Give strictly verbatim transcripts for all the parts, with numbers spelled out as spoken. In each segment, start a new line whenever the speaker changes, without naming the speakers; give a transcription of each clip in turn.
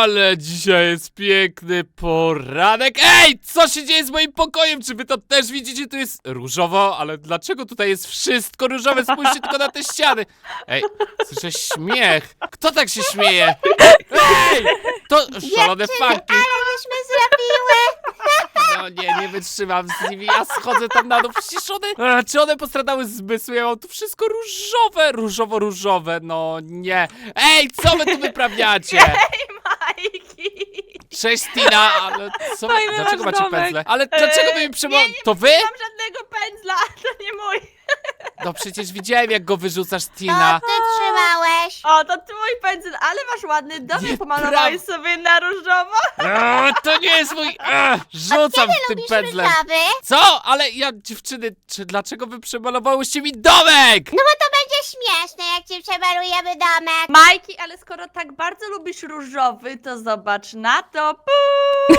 Ale dzisiaj jest piękny poranek. Ej, co się dzieje z moim pokojem? Czy wy to też widzicie? Tu jest różowo, ale dlaczego tutaj jest wszystko różowe? Spójrzcie tylko na te ściany. Ej, słyszę śmiech. Kto tak się śmieje? Ej, to szalone fanki.
Ale żeśmy zrobiły!
No nie, nie wytrzymam z nimi. Ja schodzę tam na dół. Przecież one... A, czy one postradały zmysły? Ja mam tu wszystko różowe, różowo-różowe. No nie. Ej, co wy tu wyprawiacie?
Majki!
Cześć Tina, ale co wy,
Fajny
dlaczego
masz
macie
domek.
pędzle? Ale dlaczego wy mi przymo...
nie, nie
To wy?
Nie mam żadnego pędzla, to nie mój.
No przecież widziałem jak go wyrzucasz,
To
Tina.
ty trzymałeś!
O, to twój pędzel, ale masz ładny domek,
Nieprawda.
pomalowałeś sobie na różowo.
A, to nie jest mój... A, rzucam
Ty
w tym
lubisz
pędzlem.
różowy?
Co? Ale ja, dziewczyny, czy dlaczego wy przemalowałyście mi domek?
No bo to będzie śmieszne, jak ci przemalujemy domek.
Majki, ale skoro tak bardzo lubisz różowy, to zobacz na to. Puu,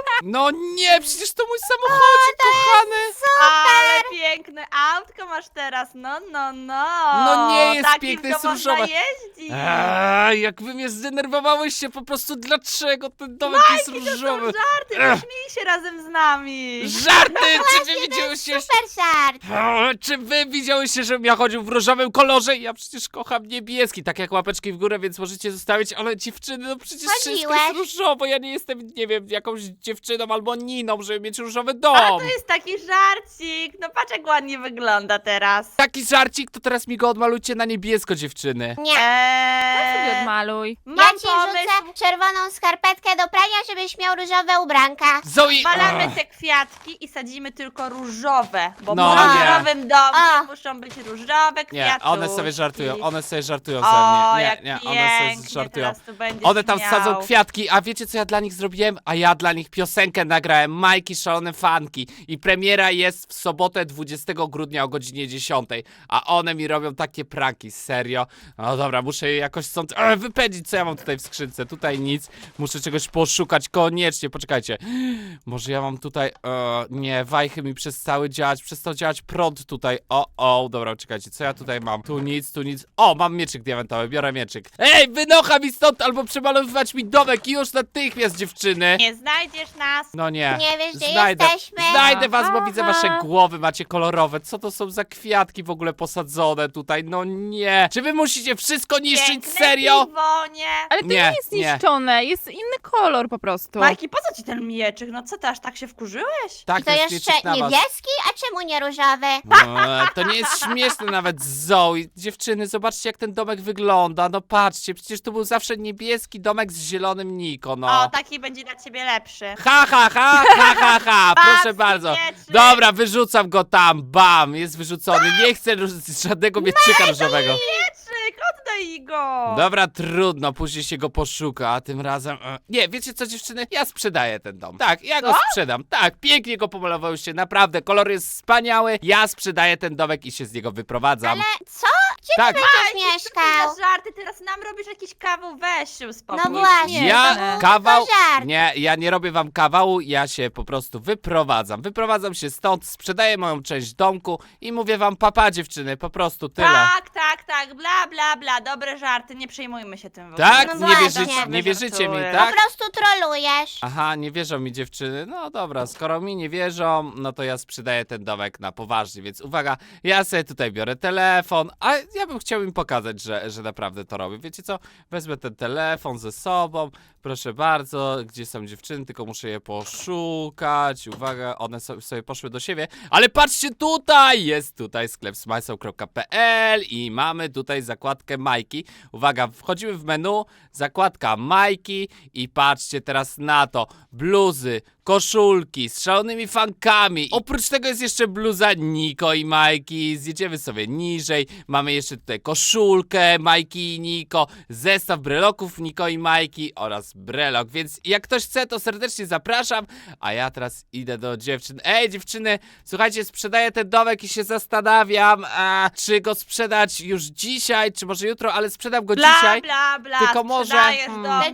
No nie, przecież to mój samochodzik, kochany.
ale piękne autko masz teraz, no, no, no.
No nie jest
Takim
piękne,
to
jest
można
różowe.
jeździć.
A, jak wy mnie zdenerwowałyście, po prostu dlaczego ten domek jest
Majki, to są
różowy?
żarty,
Ech.
pośmiej się razem z nami.
Żarty! Czy wy
To jest
widziałyście...
super żart!
O, czy wy widziałyście, żebym ja chodził w różowym kolorze? Ja przecież kocham niebieski, tak jak łapeczki w górę, więc możecie zostawić, ale dziewczyny, no przecież wszystko
Chodziłeś.
jest różowo, ja nie jestem, nie wiem, jakąś dziewczyną albo Niną, żeby mieć różowy
A
dom.
to jest taki żarcik. No patrz jak ładnie wygląda teraz.
Taki żarcik, to teraz mi go odmalujcie na niebiesko, dziewczyny.
Nie.
Eee,
sobie odmaluj.
Ja
mam
ci
pomysł.
rzucę czerwoną skarpetkę do prania, żebyś miał różowe ubranka.
Zoe!
Malamy
Ach.
te kwiatki i sadzimy tylko różowe, bo
No
w
nie.
różowym domu
A.
muszą być różowe kwiatki.
Nie, one sobie żartują, one sobie żartują ze
O,
mnie.
jak
Nie, nie, one sobie
pięknie
żartują.
teraz tu będziesz
One tam
miał.
sadzą kwiatki, a wiecie co ja dla nich zrobiłem? A ja dla nich piosenkę nagrałem, Majki Szalone Fanki. I premiera jest w sobotę dwudziestego grudnia o godzinie dziesiątej. A one mi robią takie pranki, serio. No dobra, muszę je jakoś stąd e, wypędzić, co ja mam tutaj w skrzynce. Tutaj nic, muszę czegoś poszukać koniecznie, poczekajcie. Może ja mam tutaj, e, nie, wajchy mi przestały działać, przestał działać prąd tutaj. O, o, dobra, czekajcie, co ja tutaj mam? Tu nic, tu nic. O, mam mieczyk diamentowy, biorę mieczyk. Ej, wynocha mi stąd, albo przemalowywać mi domek już natychmiast, dziewczyny.
Nie znajdziesz nas.
No nie.
Nie wiesz, gdzie
Znajdę,
jesteśmy?
znajdę was, bo
Aha.
widzę wasze głowy, macie kolorowe. Co to są za kwiatki w ogóle posadzone tutaj? No nie. Czy wy musicie wszystko niszczyć,
Piękne
serio?
piwonie.
Ale to
Nie,
nie, jest
nie.
niszczone, jest inny kolor po prostu.
Majki, po co ci ten mieczyk? No co ty aż tak się wkurzyłeś?
Tak,
I to
jest
jeszcze
mieczyk na was.
niebieski? A czemu nie różowy?
No, to nie jest śmieszne nawet, Zoe. Dziewczyny, zobaczcie jak ten domek wygląda. No patrzcie, przecież tu był zawsze niebieski domek z zielonym Niko, no.
O, taki będzie dla ciebie lepszy.
Ha, ha, ha, ha, ha, ha, proszę
Patrz,
bardzo.
mieczyk.
Dobra, wyrzucam go tam, bam, jest wyrzucony. Nie chcę róż- żadnego mieczyka różowego.
Mieczyk, oddaj go.
Dobra, trudno, później się go poszuka, a tym razem... E, nie, wiecie co dziewczyny? Ja sprzedaję ten dom. Tak, ja go
Co?
sprzedam. Tak, pięknie go pomalowałyście, naprawdę, kolor jest wspaniały. Ja sprzedaję ten domek i się z niego wyprowadzam.
Ale co? Gdzie
Tak.
ty będziesz
Majki,
mieszkał?
co za żarty, teraz nam robisz jakiś kawał, weź się uspokój.
No właśnie.
Ja
Nie.
kawał...
To żart.
Nie, ja nie robię wam kawału, ja się po prostu wyprowadzam. Wyprowadzam się stąd, sprzedaję moją część domku i mówię wam papa dziewczyny, po prostu tyle.
Tak, tak, tak, bla, bla, bla, dobre żarty, nie przejmujmy się tym w ogóle.
Tak?
No
nie,
właśnie.
wierzycie, nie wierzycie mi,
Żartuję.
tak?
Po prostu trolujesz.
Aha, nie wierzą mi dziewczyny. No dobra, skoro mi nie wierzą, no to ja sprzedaję ten domek na poważnie, więc uwaga, ja sobie tutaj biorę telefon, a ja bym chciał im pokazać, że, że naprawdę to robię. Wiecie co? Wezmę ten telefon ze sobą, proszę bardzo, gdzie są dziewczyny, tylko muszę je poszukać. Uwaga, one so, sobie poszły do siebie, ale patrzcie tutaj, jest tutaj sklep smajsą kropka p l i mamy tutaj zakładkę Majki. Uwaga, wchodzimy w menu, zakładka Majki i patrzcie teraz na to, bluzy, koszulki z szalonymi fankami. Oprócz tego jest jeszcze bluza Niko i Majki. Zjedziemy sobie niżej. Mamy jeszcze tutaj koszulkę Majki i Niko, zestaw breloków Niko i Majki oraz brelok. Więc jak ktoś chce, to serdecznie zapraszam. A ja teraz idę do dziewczyn. Ej, dziewczyny, słuchajcie, sprzedaję ten domek i się zastanawiam, a, czy go sprzedać już dzisiaj, czy może jutro, ale sprzedam go
Bla,
dzisiaj.
bla, bla,
Tylko może-
sprzedajesz
hmm.
dom,
Przecież
tak,
ty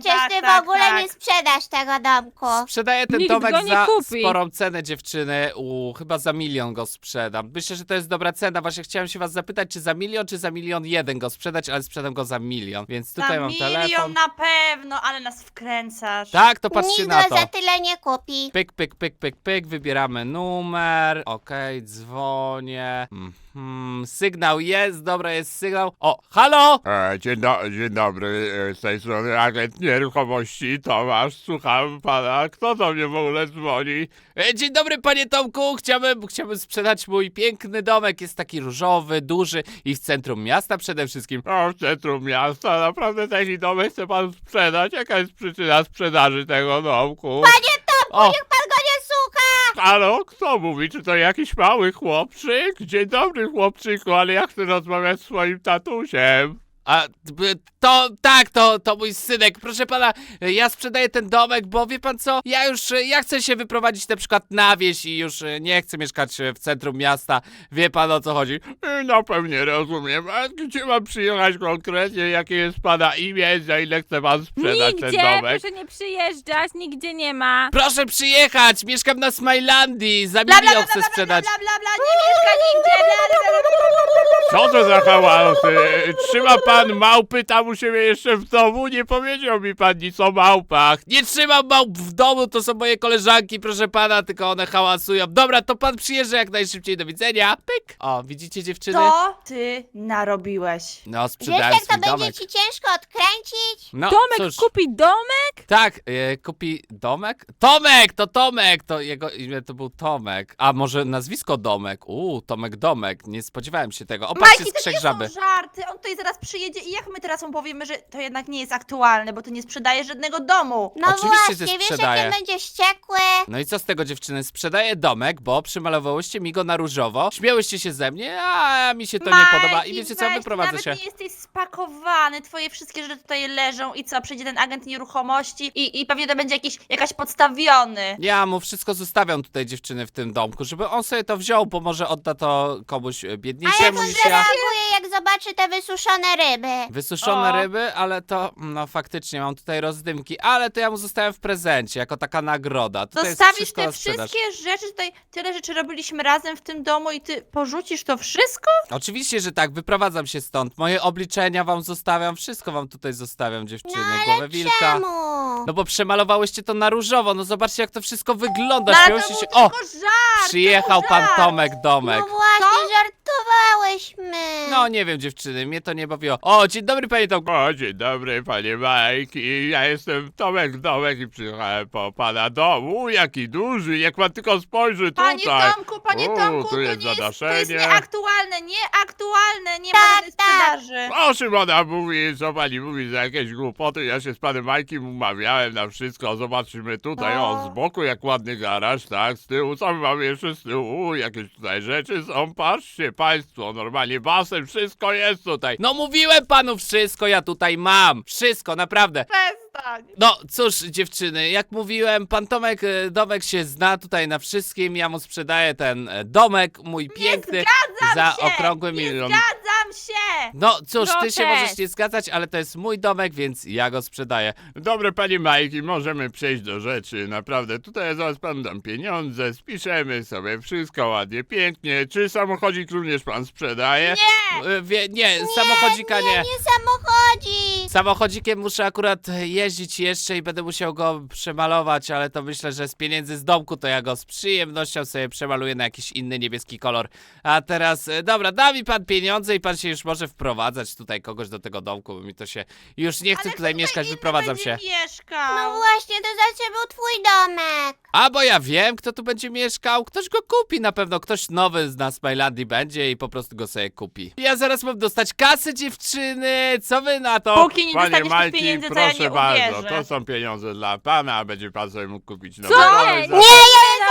tak,
w ogóle
tak.
nie sprzedasz tego domku.
Sprzedaję ten
Nikt
domek
go nie
za
kupi.
sporą cenę, dziewczyny. U, chyba za milion go sprzedam. Myślę, że to jest dobra cena. Właśnie chciałem się was zapytać, czy za milion, czy za milion jeden go sprzedać, ale sprzedam go za milion. Więc tutaj
Na
mam
milion
telefon.
na pewno, ale nas wkręcasz.
Tak, to patrzcie
Nikt
na
go
to.
za tyle nie kupi.
Pyk, pyk, pyk, pyk, pyk, wybieramy numer, okej, dzwonię, mhm, sygnał jest, dobra, jest sygnał, o, halo!
E, dzień, do, dzień dobry, e, z tej strony agent nieruchomości Tomasz, słucham pana, kto do mnie w ogóle dzwoni?
E, Dzień dobry, panie Tomku, chciałbym, chciałbym sprzedać mój piękny domek, jest taki różowy, duży i w centrum miasta przede wszystkim.
O, w centrum miasta, naprawdę taki domek chce pan sprzedać? Jaka jest przyczyna sprzedaży tego domku?
O,
Niech pan go nie słucha!
Halo, kto mówi? Czy to jakiś mały chłopczyk? Dzień dobry, chłopczyku, ale ja chcę rozmawiać z swoim tatusiem.
a b- to, tak, to, to mój synek, proszę pana, e, ja sprzedaję ten domek, bo wie pan co, ja już, e, ja chcę się wyprowadzić na przykład na wieś i już e, nie chcę mieszkać e, w centrum miasta, wie pan o co chodzi.
E, No pewnie rozumiem, a gdzie mam przyjechać konkretnie? Jakie jest pana imię? Za ile chce pan sprzedać
Nigdzie,
ten domek?
proszę nie przyjeżdżać, nigdzie nie ma.
Proszę przyjechać, mieszkam na Smilandii, za
Bla, bla,
milion
bla,
chcę
bla, bla,
sprzedać.
bla, bla, bla, nie mieszka nigdzie, bla, bla, bla, bla, bla, bla.
Co to za hałasy? Trzyma pan małpy tam u siebie jeszcze w domu? Nie powiedział mi pan nic o małpach.
Nie trzymam małp w domu, to są moje koleżanki, proszę pana, tylko one hałasują. Dobra, to pan przyjeżdża jak najszybciej, do widzenia. Pyk. O, widzicie dziewczyny?
To ty narobiłeś.
No,
Wiesz,
sprzedałem
jak to
swój
będzie
domek.
ci ciężko odkręcić?
No,
Tomek
cóż.
kupi domek?
Tak, e, kupi Domek? Tomek, to Tomek, to jego imię to był Tomek. A może nazwisko Domek? Uuu, Tomek Domek, nie spodziewałem się tego. O, patrzcie,
Majki, to
skrzek
nie
żaby.
są żarty, on tutaj zaraz przyjedzie i jak my teraz mu powiemy, że to jednak nie jest aktualne, bo ty nie sprzedajesz żadnego domu.
No
Oczywiście, że
właśnie, wiesz,
sprzedaję.
jak on będzie wściekły?
No i co z tego, dziewczyny? Sprzedaję domek, bo przymalowałyście mi go na różowo, śmiałyście się ze mnie, a mi się to nie
Majki,
podoba i wiecie co,
weź,
wyprowadzę
nawet
się.
nie jesteś spakowany, twoje wszystkie rzeczy tutaj leżą i co, przyjdzie ten agent nieruchomości i, i pewnie to będzie jakiś, jakaś podstawiony.
Ja mu wszystko zostawiam tutaj, dziewczyny, w tym domku, żeby on sobie to wziął, bo może odda to komuś e,
A jak
biedniejszemu
on
niż ja.
zareaguje, jak zobaczy te wysuszone ryby?
Wysuszone
O.
ryby, ale to, no faktycznie mam tutaj rozdymki, ale to ja mu zostawiam w prezencie, jako taka nagroda. Tutaj jest
Zostawisz
wszystko
te
na sprzedaż.
wszystkie rzeczy, tutaj tyle rzeczy robiliśmy razem w tym domu i ty porzucisz to wszystko?
Oczywiście, że tak, wyprowadzam się stąd. Moje obliczenia wam zostawiam, wszystko wam tutaj zostawiam, dziewczyny.
No
Głowę
ale
wilka.
czemu?
No bo przemalowałyście to na różowo, no zobaczcie jak to wszystko wygląda.
No ale to
Śmiałyście
był
się. O!
tylko żart!
Przyjechał
to był
pan
żart.
Tomek Domek.
No właśnie, żartowałyśmy.
No nie wiem, dziewczyny, mnie to nie bawiło. O, dzień dobry panie Tomku.
O, dzień dobry, panie Majki. Ja jestem Tomek Domek i przyjechałem po pana domu. Jaki duży, jak pan tylko spojrzy tutaj.
Panie Tomku, panie
U,
Tomku,
tu
to,
jest
nie jest, to jest
zadaszenie.
nieaktualne, nieaktualne, nie ma
Tak,
żadnej
tak.
sprzedaży.
O czym ona mówi, co pani mówi za jakieś głupoty? Ja się z panem Majkiem umawiałem na wszystko. Zobaczymy tutaj,
O.
o, z boku jak ładny garaż, tak, z tyłu, co my mamy jeszcze z tyłu? Jakieś tutaj rzeczy są, patrzcie państwo, normalnie basen, wszystko jest tutaj.
No mówiłem panu wszystko, ja tutaj mam. Wszystko, naprawdę.
Przestań.
No cóż, dziewczyny, jak mówiłem, pan Tomek e, Domek się zna tutaj na wszystkim. Ja mu sprzedaję ten e, domek, mój piękny, za
się,
okrągły
nie
milion.
Zgadzam się!
No cóż, ty się
Protest.
możesz nie zgadzać, ale to jest mój domek, więc ja go sprzedaję.
Dobre panie Majki, możemy przejść do rzeczy, naprawdę. Tutaj zaraz pan dam pieniądze, spiszemy sobie wszystko ładnie, pięknie. Czy samochodzik również pan sprzedaje?
Nie!
E, Wie, nie, samochodzika
Nie,
nie.
nie samochodzi.
Samochodzikiem muszę akurat jeździć jeszcze i będę musiał go przemalować, ale to myślę, że z pieniędzy z domku to ja go z przyjemnością sobie przemaluję na jakiś inny niebieski kolor. A teraz, e, dobra, da mi pan pieniądze i pan się już może wprowadzać tutaj kogoś do tego domku, bo mi to się już nie chce
Ale
tutaj
kto
mieszkać,
inny
wyprowadzam się.
będzie mieszkał?
No właśnie, to znaczy był twój domek.
A bo ja wiem, kto tu będzie mieszkał, ktoś go kupi na pewno, ktoś nowy z nas Smilandii będzie i po prostu go sobie kupi. Ja zaraz mam dostać kasy, dziewczyny, co wy na to?
Póki nie
Panie
dostaniesz tych
Majki,
pieniędzy, to ja
proszę
nie
bardzo,
uwierzę.
to są pieniądze dla pana, a będzie pan sobie mógł kupić nowy
Co?
domek.
Nie,
za-
Nie, ja je
Na
zabieram.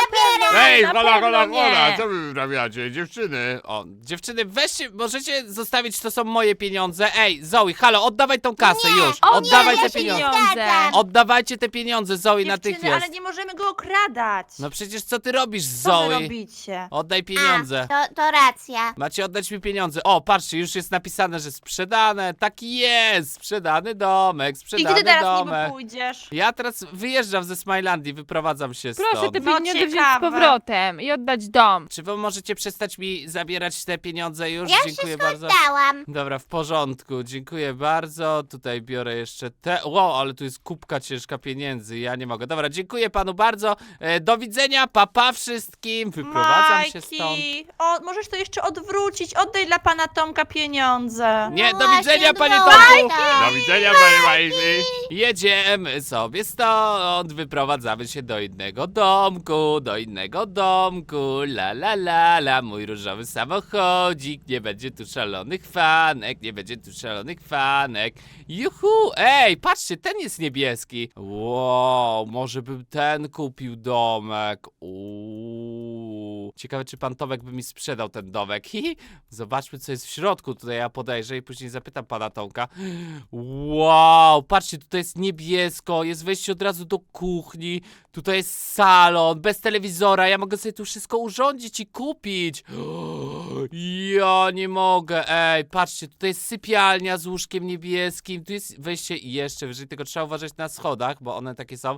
Ej,
na
hola,
pewno
hola,
nie.
hola, co wy wyprawiacie, dziewczyny?
O, dziewczyny, weźcie, możecie zostawić, to są moje pieniądze. Ej, Zoe, halo, oddawaj tą kasę
Nie,
już.
o nie,
Oddawaj
ja
te
się nie
pieniądze.
zgadzam.
Oddawajcie te pieniądze, Zoe,
Dziewczyny,
natychmiast.
ale nie możemy go okradać.
No przecież co ty robisz,
Co wy
Zoe?
robicie?
Oddaj pieniądze.
A, to, to racja.
Macie oddać mi pieniądze. O, patrzcie, już jest napisane, że sprzedane. Tak jest, sprzedany domek,
I
sprzedany
gdzie ty teraz niby
domek.
pójdziesz?
Ja teraz wyjeżdżam ze Smilandii, wyprowadzam się
Proszę
stąd.
te
No,
pieniądze wziąć z
ciekawe.
powrotem i oddać dom.
Czy wy możecie przestać mi zabierać te pieniądze już?
Ja
Dziękuję
wszystko
bardzo.
oddałam.
Dobra, w porządku, dziękuję bardzo. Tutaj biorę jeszcze te. Wow, ale tu jest kubka ciężka pieniędzy, ja nie mogę. Dobra, dziękuję panu bardzo. E, do widzenia, papa wszystkim. Wyprowadzam się stąd.
Majki, o, możesz to jeszcze odwrócić. Oddaj dla pana Tomka pieniądze.
Nie,
No
do
właśnie,
widzenia, panie
odwołaj
Tomku.
to.
Do widzenia, panie Majki.
Jedziemy sobie stąd, wyprowadzamy się do innego domku, do innego domku, la la la la, mój różowy samochodzik, nie będzie tu szalonych fanek, nie będzie tu szalonych fanek, juhu, ej, patrzcie, ten jest niebieski, wow, może bym ten kupił domek, uuu, ciekawe czy pan Tomek by mi sprzedał ten domek, hihi, zobaczmy co jest w środku, tutaj ja podejrzę i później zapytam pana Tomka, wow, patrzcie, tutaj jest niebiesko, jest wejście od razu do kuchni, tutaj jest salon, bez telewizora, ja mogę sobie tu wszystko urządzić i kupić. Ja nie mogę, ej, patrzcie, tutaj jest sypialnia z łóżkiem niebieskim, tu jest wejście i jeszcze wyżej, tylko trzeba uważać na schodach, bo one takie są.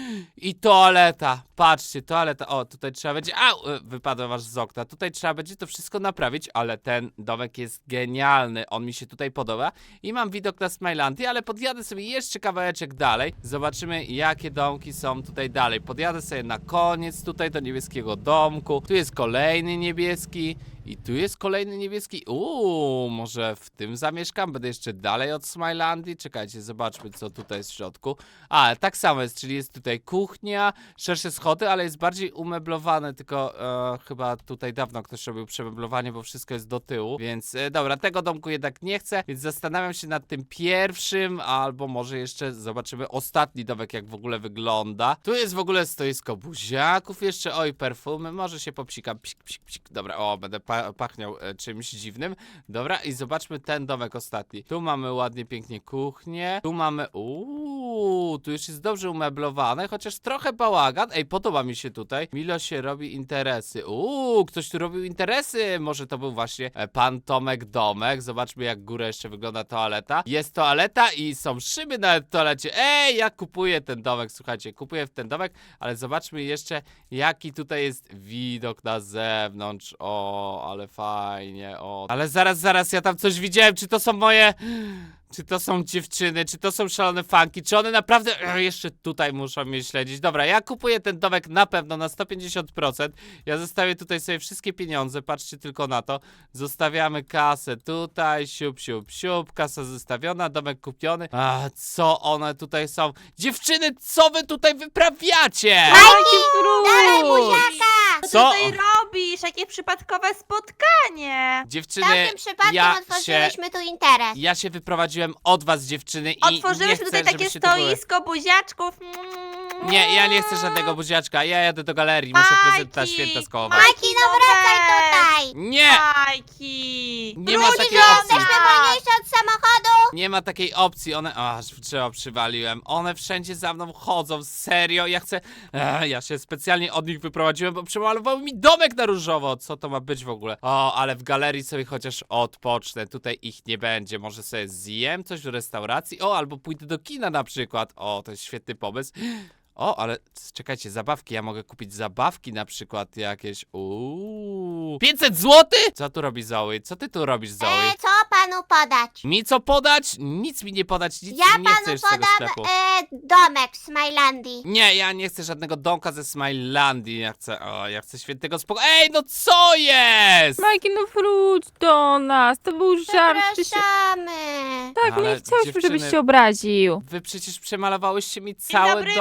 I toaleta, patrzcie, toaleta, o, tutaj trzeba będzie, au, wypadłem aż z okna, tutaj trzeba będzie to wszystko naprawić, ale ten domek jest genialny, on mi się tutaj podoba i mam widok na Smilandię, ale podjadę sobie jeszcze kawałeczek dalej, zobaczymy jakie domki są tutaj dalej, podjadę sobie na koniec tutaj do niebieskiego domku, tu jest kolejny niebieski i tu jest kolejny niebieski, uuu, może w tym zamieszkam, będę jeszcze dalej od Smilandii, czekajcie, zobaczmy co tutaj jest w środku, a, tak samo jest, czyli jest tutaj kuchnia, szersze schody, ale jest bardziej umeblowane, tylko e, chyba tutaj dawno ktoś robił przemeblowanie, bo wszystko jest do tyłu, więc e, dobra, tego domku jednak nie chcę, więc zastanawiam się nad tym pierwszym, albo może jeszcze zobaczymy ostatni domek, jak w ogóle wygląda. Tu jest w ogóle stoisko buziaków jeszcze, oj, perfumy, może się popsikam, psik, psik, psik, dobra, o, będę pa pachniał e, czymś dziwnym, dobra, i zobaczmy ten domek ostatni. Tu mamy ładnie, pięknie kuchnię, tu mamy, uuu, tu już jest dobrze umeblowane, chociaż trochę bałagan, ej, podoba mi się tutaj, Milo się robi interesy, uuu, ktoś tu robił interesy, może to był właśnie e, pan Tomek domek, zobaczmy jak górę jeszcze wygląda toaleta, jest toaleta i są szyby na toalecie, ej, ja kupuję ten domek, słuchajcie, kupuję w ten domek, ale zobaczmy jeszcze jaki tutaj jest widok na zewnątrz, o, ale fajnie, o, ale zaraz, zaraz, ja tam coś widziałem, czy to są moje... Czy to są dziewczyny, czy to są szalone fanki, czy one naprawdę e, jeszcze tutaj muszą mnie śledzić. Dobra, ja kupuję ten domek na pewno na sto pięćdziesiąt procent. Ja zostawię tutaj sobie wszystkie pieniądze, patrzcie tylko na to. Zostawiamy kasę tutaj, siup, siup, siup, kasa zostawiona, domek kupiony. A co one tutaj są? Dziewczyny, co wy tutaj wyprawiacie?
Majki,
Dawaj
wróć!
buziaka!
Co ty
Co?
tutaj robisz? Jakie przypadkowe spotkanie?
W
Dziewczyny,
tamtym przypadku
ja się,
otworzyliśmy tu interes.
ja się wyprowadziłem od was, dziewczyny, i nie
Otworzyłyśmy
chcę,
tutaj takie
żebyście tu były.
stoisko buziaczków.
Nie, ja nie chcę żadnego buziaczka, ja jadę do galerii, muszę prezent na święta skołować.
Majki, no wracaj tutaj!
Nie!
Majki!
Nie ma
Wróć
takiej
do
opcji.
nas!
Jesteśmy wolniejsi od samochodu!
Nie ma takiej opcji, one... Aż w drzewo przywaliłem. One wszędzie za mną chodzą, serio, ja chcę... Ech, ja się specjalnie od nich wyprowadziłem, bo przemalowały mi domek na różowo. Co to ma być w ogóle? O, ale w galerii sobie chociaż odpocznę, tutaj ich nie będzie. Może sobie zjem coś w restauracji? O, albo pójdę do kina na przykład. O, to jest świetny pomysł. O, ale czekajcie, zabawki, ja mogę kupić zabawki na przykład jakieś, uuu, pięćset złotych? Co tu robi Zoe? Co ty tu robisz, Zoe?
E, co panu podać?
Mi co podać? Nic mi nie podać, nic
Ja
nie
panu
chcesz z tego
podam
sklepu.
e, domek w Smilandii.
Nie, ja nie chcę żadnego domka ze Smilandii, ja chcę, o, ja chcę świętego spokoju. Ej, no co jest?
Majki, no wróć do nas, to był żart. Przecież...
Zapraszamy.
Tak,
Ale
nie chciałyśmy,
dziewczyny-
żebyś się obraził.
Wy przecież przemalowałyście mi
Dzień
cały
dobry,
domek.
witam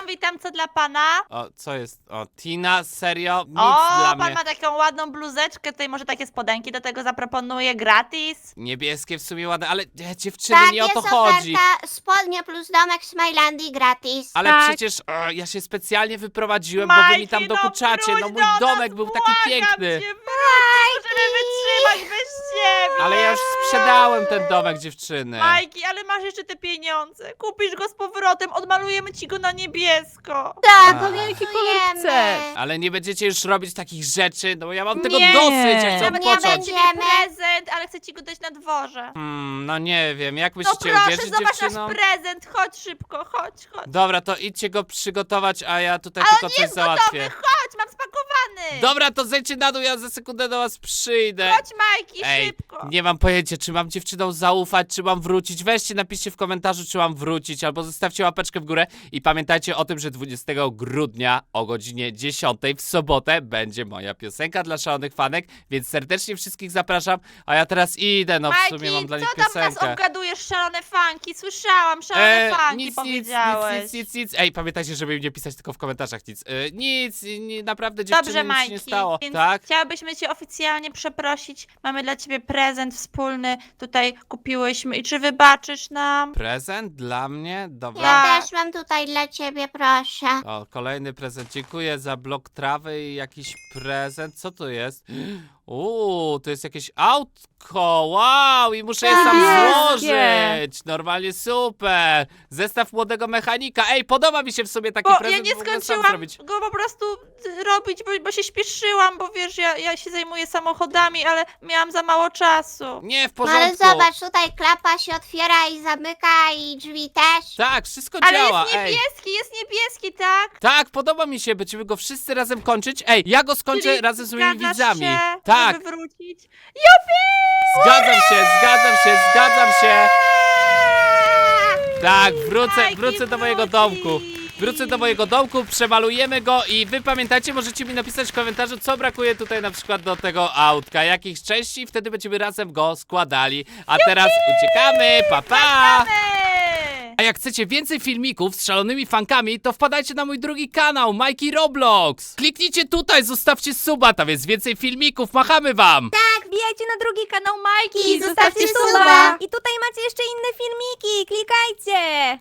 witam, witam, co dla pana?
O, co jest? O, Tina, serio? Nic
O,
dla
pan
mnie.
ma taką ładną bluzeczkę, tutaj może takie spodenki do tego zaproponuję gratis.
Niebieskie w sumie ładne, ale e, dziewczyny,
Tak,
nie o
jest
to chodzi.
oferta spodnie plus domek w Smilandii gratis.
Ale
Tak.
przecież o, ja się specjalnie wyprowadziłem, bo wy mi tam
Majki, no
dokuczacie. No
wróć
mój
do
domek
nas,
był taki
błagam
piękny.
Cię, wróć, możemy wytrzymać bez ciebie.
Ale ja już sprzedałem ten domek, dziewczyny.
Majki, ale masz jeszcze te pieniądze. Kupisz go z powrotem, odmalujemy ci go na niebiesko.
Tak,
A.
Jaki kolor
obiecujemy.
chcesz?
Ale nie będziecie już robić takich rzeczy, no bo ja mam tego
Nie.
dosyć, ja chcę
Nawet
nie
odpocząć.
będzie.
Ciebie prezent, ale chcę ci go dać na dworze.
Hmm, no nie wiem, jak
No
myślicie,
proszę,
uwierzyć
zobacz
dziewczynom?
nasz prezent. Chodź szybko, chodź, chodź.
Dobra, to idźcie go przygotować, a ja tutaj
Ale
tylko
on
coś
jest
załatwię.
gotowy, chodź, mam spakowany.
Dobra, to zejdźcie na dół, ja za sekundę do was przyjdę.
Chodź, Majki,
Ej,
szybko.
nie mam pojęcia, czy mam dziewczynom zaufać, czy mam wrócić. Weźcie, napiszcie w komentarzu, czy mam wrócić, albo zostawcie łapeczkę w górę. I pamiętajcie o tym, że dwudziestego grudnia o godzinie dziesiątej w sobotę będzie moja piosenka dla szalonych fanek, więc serdecznie wszystkich zapraszam. A ja teraz idę, no w
Majki,
sumie mam dla nich
co tam nas
piosenkę.
obgadujesz, szalone fanki? Słyszałam, szalone
E,
fanki
nic, nic,
powiedziałeś.
nic, nic, nic, nic. Ej, pamiętajcie, żeby mi nie pisać tylko w komentarzach nic. E, nic, nie, naprawdę dziewczyny,
Dobrze,
nic
Majki,
się nie stało.
więc
Tak?
chciałabyśmy cię oficjalnie przeprosić. Mamy dla ciebie prezent wspólny, tutaj kupiłyśmy. I czy wybaczysz nam?
Prezent dla mnie? Dobra.
Ja
Tak.
też mam tutaj dla ciebie, proszę.
O, kolejny prezent. Dziękuję za blok trawy i jakiś prezent. Co to jest? Uuu, to jest jakieś autko. Wow, i muszę je sam
Niebieskie.
złożyć. Normalnie super. Zestaw młodego mechanika. Ej, podoba mi się w sobie taki
Bo
prezent.
ja nie
mogę sam
skończyłam
zrobić.
go po prostu robić, bo, bo się śpieszyłam, bo wiesz, ja, ja się zajmuję samochodami, ale miałam za mało czasu.
Nie, w
No ale
porządku.
zobacz, tutaj klapa się otwiera i zamyka i drzwi też.
Tak, wszystko
Ale
działa.
jest
Ej.
niebieski, jest niebieski, tak?
Tak, podoba mi się. Będziemy go wszyscy razem kończyć. Ej, ja go skończę
Czyli
razem z moimi
zgadzasz
widzami.
Się,
Tak,
żeby wrócić.
zgadzam się, zgadzam się, zgadzam się. Tak, wrócę,
Majki,
wrócę do mojego
wróci.
domku. Wrócę do mojego domku, przemalujemy go i wy pamiętajcie, możecie mi napisać w komentarzu, co brakuje tutaj na przykład do tego autka, jakich części, wtedy będziemy razem go składali. A teraz uciekamy, pa pa!
Eee!
A jak chcecie więcej filmików z szalonymi fankami, to wpadajcie na mój drugi kanał, Majki Roblox. Kliknijcie tutaj, zostawcie suba, tam jest więcej filmików, machamy wam!
Tak, wbijajcie na drugi kanał Majki
I zostawcie suba.
I tutaj macie jeszcze inne filmiki, klikajcie!